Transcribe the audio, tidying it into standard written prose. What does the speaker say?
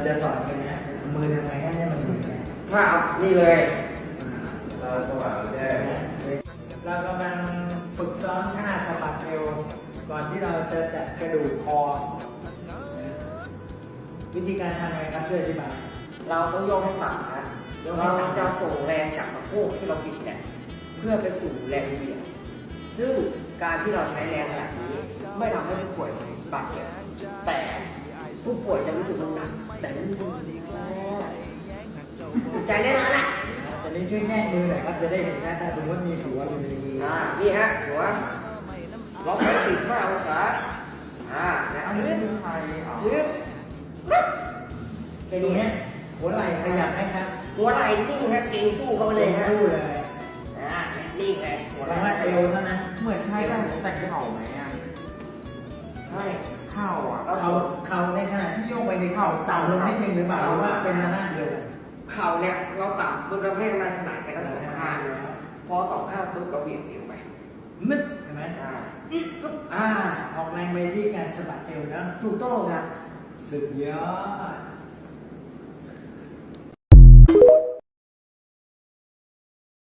จะสอนกันนะมือทำไงให้มันมือถ้าเอานี่เลยเราสว่างแจ้งเรากำลังฝึกซ้อมท่าสะบัดเอวก่อนที่เราจะจัดกระดูกคอ วิธีการทำไงครับช่วยอธิบายเราต้องโยกให้ต่ำครับเราจะส่งแรงจากสะโพกที่เราบิดเนี่ยเพื่อไปสู่แรงเหวี่ยงซึ่งการที่เราใช้แรงแบบนี้ไม่ทำให้ผู้ป่วยบาดเจ็บแต่ผู้ป่วยจะรู้สึกมันหนักแต่มันใจแน่นอนอ่ะแต่นี้ช่วยแนบมือหน่อยครับจะได้เห็นชัดนะสมมติมีหัวอยู่ในมือนี่ฮะหัวล็อกไป45 องศาแล้วยืดยืดแค่ตรนี้งนี้ฮะหัวไหล่ขยับไหมครับหัวไหล่นิ่งฮะเก่งสู้เขาไปเลยฮะสู้เลยนิ่งเลยหัวแปไหลล่ว่าเอวเท่านั้นเหมือนใช้แต่เข่าไหมอ่ะใช่เข่าอ่ะเขาในขณะที่โยกไปในเข่าต่ำลงนิดนึงหรือเปล่าหรือว่าเป็นระนาดเดียวกันเข่าเนี่ยเราต่ำปุ๊บเราให้มันขนาดกันทั้งสองข้างพอสองข้างปุ๊บเราเบี่ยงเอวไปมึดใช่ไหมปุ๊บออกแรงไปที่การสะบัดเอวแล้วถูกต้องครับสุดยอด